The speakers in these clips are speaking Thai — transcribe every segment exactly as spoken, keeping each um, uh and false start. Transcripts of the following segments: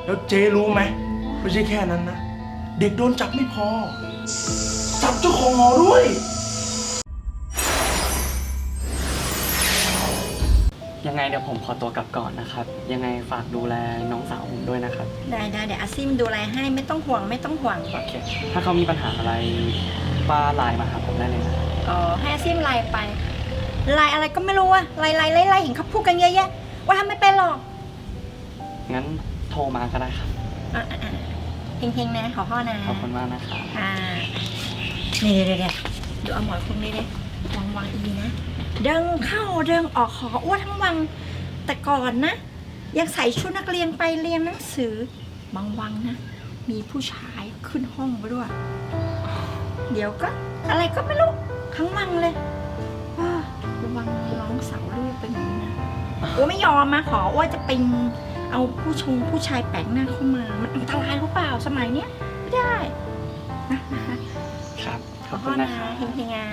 แล้วเจ๊รู้ไหมไม่ใช่แค่นั้นนะเด็กโดนจับไม่พอจับเจ้าของหอด้วยยังไงเดี๋ยวผมขอตัวกลับก่อนนะครับยังไงฝากดูแลน้องสาวผมด้วยนะครับได้ได้เดี๋ยวอาซิมดูแลให้ไม่ต้องห่วงไม่ต้องห่วงโอเคถ้าเขามีปัญหาอะไรป้าไลน์มาหาผมได้เลยนะอ๋อให้อาซิมไลน์ไปไลน์อะไรก็ไม่รู้อะไลน์ไลน์ไล่ไล่เห็นเขาพูดกันเยอะแยะว่าทำไม่เป็นหรอกงั้นโทรมาก็ได้ครับอ่ะอ่ะอ่ะเฮงๆนะขอพ่อนะขอบคุณมากนะครับอ่านี่เดี๋ยวเดี๋ยวดูเอาหมอนคุณนี่ดิวางวางอีนะเดินเข้าเดินออกหออ้วนทั้งวังแต่ก่อนนะยังใส่ชุดนักเรียนไปเรียนหนังสือบางวังนะมีผู้ชายขึ้นห้องไปด้วย เดี๋ยวก็อะไรก็ไม่รู้ทั้งวังเลยว้าระวังน้องสาวลูกเป็นอย่างนี้นะอ้วนไม่ยอมมาขออ้วนจะเป็นเอาผู้ชงผู้ชายแปลกหน้าเข้ามามันอันตรายหรือเปล่าสมัยเนี้ยไม่ได้นะนะคะครับขขออบคุคุณ ณนะนะครับ เฮงเฮงอ่ะ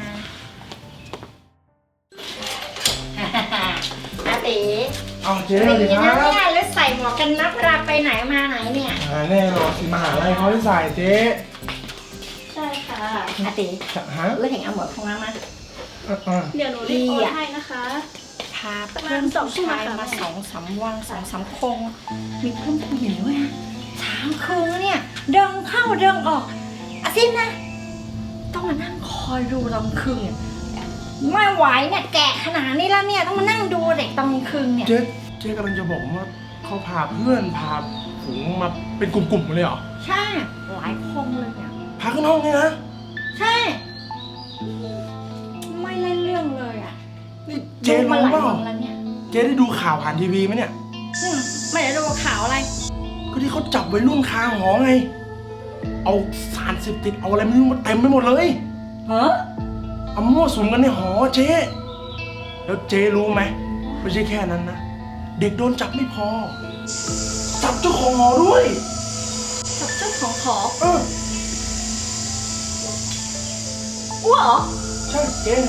อาตีเอาเจ๊ไม่เลยดีครันะบเนี่ยแล้วใส่หมวกกันน็อกเวลาไปไหนมาไหนเนี่ยอ่าแน่นอนสิมหาลัยเขาให้ใส่เจ๊ใช่ค่ะอาตีฮะเลือกเห็นเอาหมวกของเรามาอ่ะอ่ะเดี๋ยวหนูรีบโอนให้นะคะพาเพื่อนผู้ชายมาสองสามวันสองสามคง มีเพื่อนผู้หญิงด้วยนะสามคืนเนี่ย เดินเข้าเดินออกอาซิมนะ ต้องมานั่งคอยดูตอนคืนเนี่ยไม่ไหวเนี่ยแก่ขนาดนี้แล้วเนี่ยต้องมานั่งดูเด็กตอนคืนเนี่ยเจ๊เจ๊กำลังจะบอกว่าเขาพาเพื่อนพาฝูงมาเป็นกลุ่มๆเลยเหรอใช่หลายคนเลยเนี่ยพาขึ้นห้องเนี่ยนะใช่ ไม่เล่นเรื่องเลยอ่ะนี่เจ๊ดูมารู้หลายเปล่าวันแล้วเนี่ยเจ๊ได้ดูข่าวผ่านทีวีไหมเนี่ยอืมไม่ได้ดูข่าวอะไรก็ที่เขาจับวัยรุ่นคาหอไง เอาสารเสพติดเอาอะไรไม่รู้มาเต็มไปหมดเลยเหรอเอามั่วสุมกันในหอเจ๊แล้วเจ๊รู้ไหมไม่ใช่แค่นั้นนะเด็กโดนจับไม่พอจับเจ้าของหอด้วยกับเจ้าของหอเอออ้วเหรอใช่เจ๊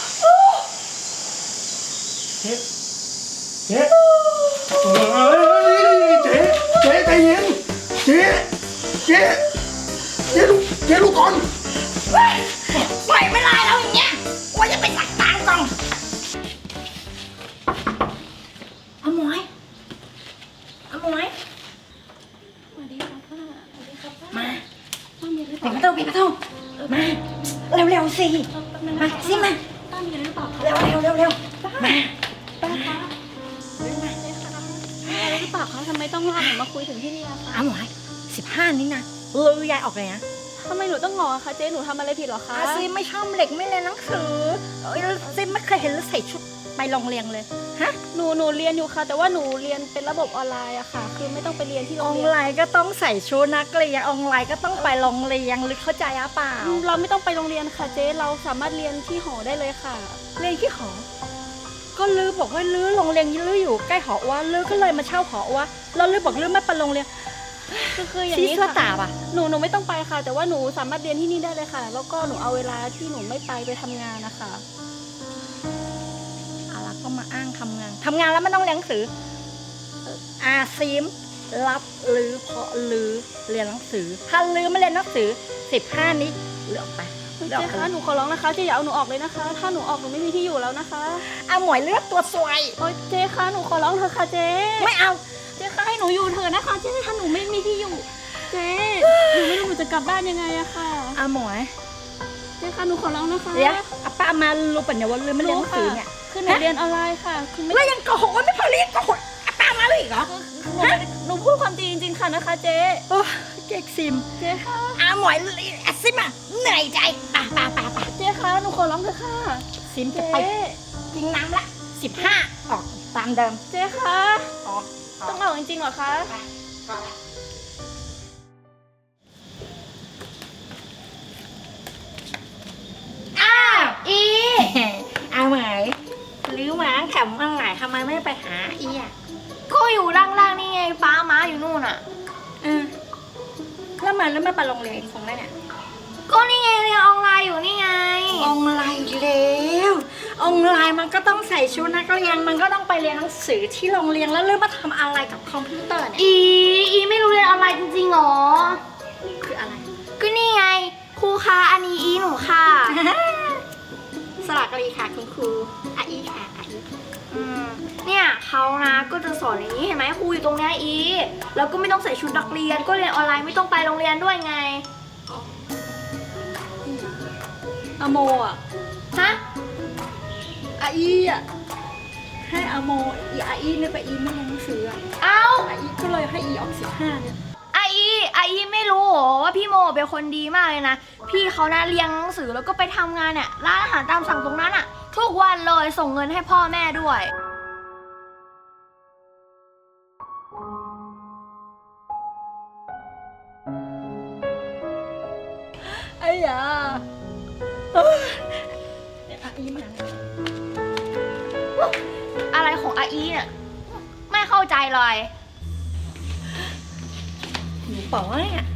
เจ๊เจ๊เฮ้ยเจ๊เจ๊ใจเย็นเจ๊เจ๊เจ๊ลูกเจ๊ลูกก่อนปล่อยไม่ได้แล้วอย่างเงี้ยว่าจะไปตักตางก่อนเอาหมวยเอาหมวยสวัสดีค่ะป้าสวัสดีค่ะป้ามาป้ามีอะไรหรือเปปิดล่าประตูปิดประตูมาเร็วๆสิ มาสิมาป้ามีอะไรหรือเปล่าคะเร็วเร็วเร็วเร็วมาป้าคะเจ๊คะมีอะไรหรือเปล่าคะทำไมต้องลากหนูมาคุยถึงที่นี่อะคะเอาหมวยสิบห้านี้นะเออยายออกเลยนะทำไมหนูต้องงอคะเจ๊หนูทำอะไรผิดเหรอคะอาซีไม่ชอบเด็กไม่เรียนหนังสือเอ้ยซีไม่เคยเห็นแล้วใส่ชุดไปโรงเรียนเลยฮะหนูหนูเรียนอยู่ค่ะ แต่ว่าหนูเรียนเป็นระบบออนไลน์อะค่ะ คือไม่ต้องไปเรียนที่โรอง อนเรียนไลน์ก็ต้องใส่ชุดนักเรียนออนไลน์ก็ต้องไปโรงเรียนหรือเข้าใจอะเปล่าเราไม่ต้องไปโรงเรียนค่ะเจ๊เราสามารถเรียนที่หอได้เลยค่ะเรียนที่หอ ก็ลือบอกว่าลือโรงเรียนลืออยู่ใกล้หอว่าลือก็เลยมาเช่าหอว่าแล้วลือบอกลือไม่ไปโรงเรียนคือคืออย่างชี้นี้เสื้อค่ะตาป่ะหนูหนูไม่ต้องไปค่ะ แต่ว่าหนูสามารถเรียนที่นี่ได้เลยค่ะ แล้วก็หนูเอาเวลาที่หนูไม่ไปไปทำงานนะคะอะไรก็มาอ้างทำงานทำงานแล้วไม่ต้องเรียนหนังสือเอ่ออาซีมรับลือเพราะลือเรียนหนังสือ ถ้าลือไม่เรียนหนังสือสิบห้านี้เลือกไปเลือกเจ๊ไปคะหนูขอร้องนะคะเจ๊อย่าเอาหนูออกเลยนะคะ ถ้าหนูออกหนูไม่มีที่อยู่แล้วนะคะเอาหมวยเลือกตัวสวยโอ๊ยเจ๊คะหนูขอร้องเถอะค่ะเจ๊ไม่เอาเจ๊คะให้หนูอยู่เถอะนะคะเจ๊ถ้าหนูไม่มีที่อยู่ เจ๊หนูไม่รู้หนูจะกลับบ้านยังไงอะค่ะเอาหมวยเจ๊คะหนูขอร้องนะคะเดี๋ยวอาป้ามารู้ปัญญาว่าลือไม่เรียนหนังสือเนี่ยคือหนูเรียนออนไลน์ค่ะ คือไม่แล้วยังโกหกว่าไม่พอเรียนโกหกอาป้ามาเลยอีกเหรอหนูไม่ได้หนูพูดความจริงจริงๆค่ะนะคะเจ๊โอ้เก๊กซิมเจ๊คะอาหมวยอาซิมอ่ะเหนื่อยใจป่าป่าป่าป่าเจ๊คะหนูขอร้องเถอะค่ะซิมจะเจ๊ไปกินน้ำละสิบห้าออกตามเดิมเจ๊คะออกออต้อก งออกจริงๆเหรอคะอ้าวอีเอาไหมหรือหมาแถมมาไหนทำไมไม่ไปหาอีอ่ะก็อยู่ล่างๆนี่ไงป้าม้าอยู่นู่นอ่ะเออแล้วมันแล้วไม่ไปโรงเรียนคงได้เนี่ยก็นี่ไงเรียนออนไลน์อยู่นี่ไงออนไลน์แล้วออนไลน์มันก็ต้องใส่ชุดนักเรียนมันก็ต้องไปเรียนหนังสือที่โรงเรียนแล้วเริ่มมาทำอะไรกับคอมพิวเตอร์เนี่ยอีอีไม่รู้เรียนลีค่ะคุณครูอาอีค่ะอาอีอืมเนี่ยเขานะก็จะสอนอย่างนี้เห็นไหมครูอยู่ตรงเนี้ยอีแล้วก็ไม่ต้องใส่ชุดนักเรียนก็เรียนออนไลน์ไม่ต้องไปโรงเรียนด้วยไงอโมอ่ะฮะอาอีอ่ะให้อโมอีอาอีเนี่ยไปอีไม่เรียนหนังสืออ่ะเอ้าอาอีก็เลยให้อีออกสิบห้าเนี่ยไออีไออีไม่รู้เหรอว่าพี่โมเป็นคนดีมากเลยนะพี่เขานะเรียนหนังสือแล้วก็ไปทำงานเนี่ยร้านอาหารตามสั่งตรงนั้นอะทุกวันเลยส่งเงินให้พ่อแม่ด้วยไอ้ยาเอ้ยเดี๋ยวอาอีมาอะไรของไออีเนี่ยไม่เข้าใจเลยหนูป๋อเนี่ย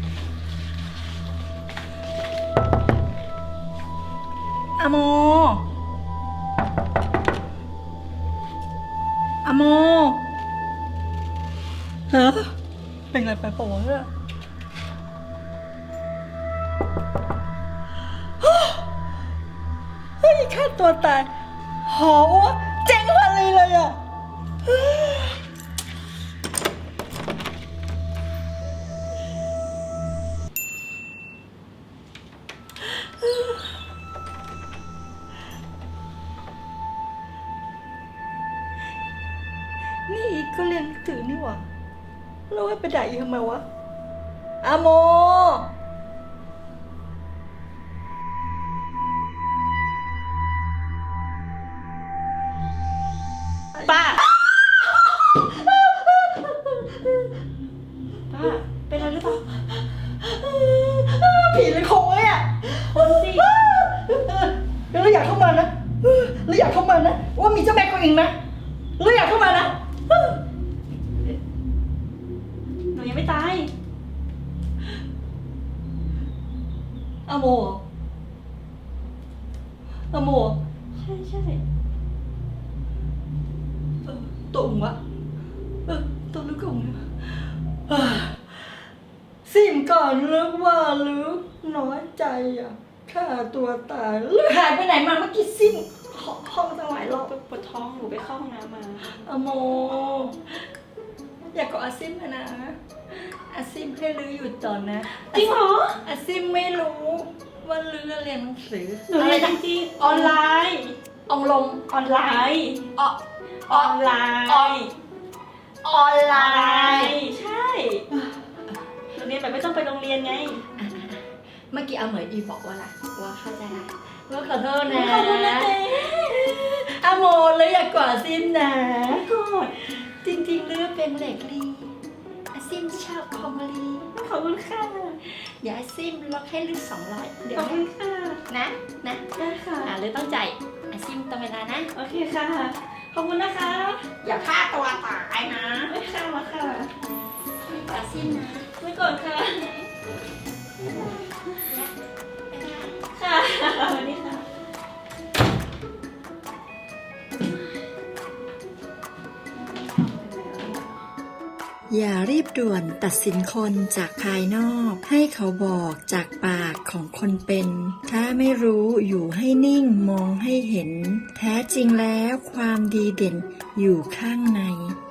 อะโมอะโมฮะเป็นไรไปป๋อเนี่ยเฮ้ยฆ่าตัวตายหอวะเจ๋งพันเลยเลยอ่ะนี่อีกก็เรียนหนังสือนี่หว่าแล้วว่าไปด่าอีกทำไมวะอะโมป้า ป้า เป็นอะไรหรือเปล่า ผีเลยคงไว้อะคนสิเราอยากเข้ามานะเราอยากเข้ามานะ ว่ามีเจ้าแม่กวนอิมนะเราอยากเข้ามานะหนูยังไม่ตายอะโมอะโมใช่ใช่เออตัวอุ่งวะเออตัวลึกอุ่งเนี่ยเออซิมก่อนเลิกว่าลึกน้อยใจอ่ะฆ่าตัวตายแล้วหายไปไหนมาเมื่อกี้ซิมห้องห้องตั้งหลายรอบปวดท้องหนูไปเข้าห้องน้ำมาอะโม อยากกอดอาซิมอะนะอาซิมให้ลือหยุดก่อนนะจริงเหรออาซิมไม่รู้ว่าลือเรียนหนังสือหนูเรียนจริงๆออนไลน์องลงออนไลน์ออออนไลน์ออนไลออนไลน์น์ใช่หนูเรียนแบบไม่ต้องไปโรงเรียนไงเมื่อกี้อาเหมยอีบอกว่าอะไรว่าเข้าใจละว่าขอโทษนะขอบคุณนะเจ๊อาโมเลยอยากกอดอาซิมนะกอดจริงๆเลือกเป็นเหล็กลีอาซิมชอบคอมลีขอบคุณค่ะอย่าอาซิมล็อกให้ลึกสองร้อยเดี๋ยขวอบคุณค่ะนะนะได้ค่ะอ่าเลยต้องจ่ายอาซิมตามเวลานะโอเคค่ะ ขอบคุณนะคะอย่าฆ่าตัวตายนะไม่ค่ะมาค่ะอาซิมนะไม่กดค่ะ ค่ะสวัสดีค่ะอย่ารีบด่วนตัดสินคนจากภายนอกให้เขาบอกจากปากของคนเป็น ถ้าไม่รู้อยู่ให้นิ่งมองให้เห็น แท้จริงแล้วความดีเด่นอยู่ข้างใน